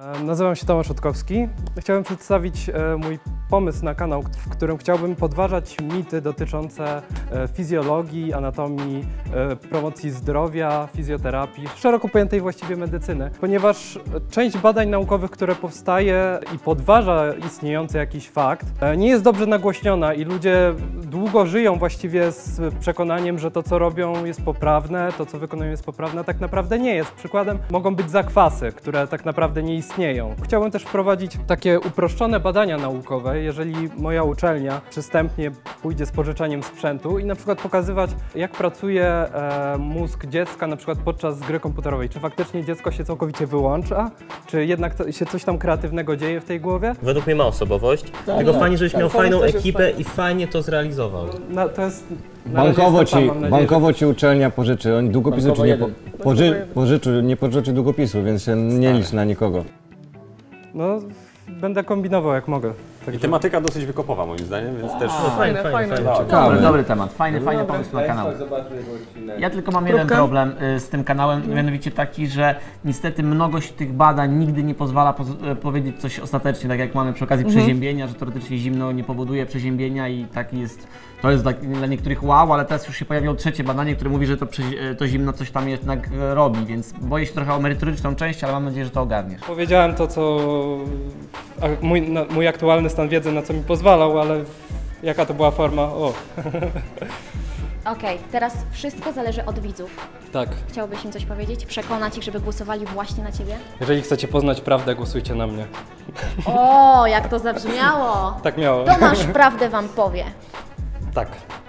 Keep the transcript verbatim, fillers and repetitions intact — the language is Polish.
Nazywam się Tomasz Otkowski. Chciałbym przedstawić mój pomysł na kanał, w którym chciałbym podważać mity dotyczące fizjologii, anatomii, promocji zdrowia, fizjoterapii, szeroko pojętej właściwie medycyny. Ponieważ część badań naukowych, które powstaje i podważa istniejący jakiś fakt, nie jest dobrze nagłośniona i ludzie długo żyją właściwie z przekonaniem, że to, co robią, jest poprawne, to, co wykonują, jest poprawne, a tak naprawdę nie jest. Przykładem mogą być zakwasy, które tak naprawdę nie istnieją. Chciałbym też wprowadzić takie uproszczone badania naukowe, jeżeli moja uczelnia przystępnie pójdzie z pożyczaniem sprzętu i na przykład pokazywać, jak pracuje e, mózg dziecka na przykład podczas gry komputerowej. Czy faktycznie dziecko się całkowicie wyłącza? Czy jednak to, się coś tam kreatywnego dzieje w tej głowie? Według mnie ma osobowość, tak, tylko tak, fajnie, żebyś tak, miał fajną ekipę i fajnie to zrealizował. No, to jest... Bankowo ci, tam, bankowo ci uczelnia pożyczy, oni długopisu ci nie po, poży, pożyczy, nie pożyczy długopisu, więc się nie licz na nikogo. No, będę kombinował jak mogę. I tematyka dosyć wykopowa moim zdaniem, więc też... No, fajne, fajne, fajne. fajne. Dobry, dobry temat, fajny, no, fajny pomysł na kanał. Ja tylko mam jeden problem z tym kanałem, mianowicie taki, że niestety mnogość tych badań nigdy nie pozwala poz powiedzieć coś ostatecznie, tak jak mamy przy okazji mhm. przeziębienia, że teoretycznie zimno nie powoduje przeziębienia i taki jest, to jest dla niektórych wow, ale teraz już się pojawiło trzecie badanie, które mówi, że to, to zimno coś tam jednak robi, więc boję się trochę o merytoryczną część, ale mam nadzieję, że to ogarniesz. Powiedziałem to, co mój, no, mój aktualny stan wiedzy, na co mi pozwalał, ale jaka to była forma? O. Okej, okay, teraz wszystko zależy od widzów. Tak. Chciałbyś im coś powiedzieć? Przekonać ich, żeby głosowali właśnie na Ciebie? Jeżeli chcecie poznać prawdę, głosujcie na mnie. O, jak to zabrzmiało! Tak miało. Tomasz prawdę Wam powie. Tak.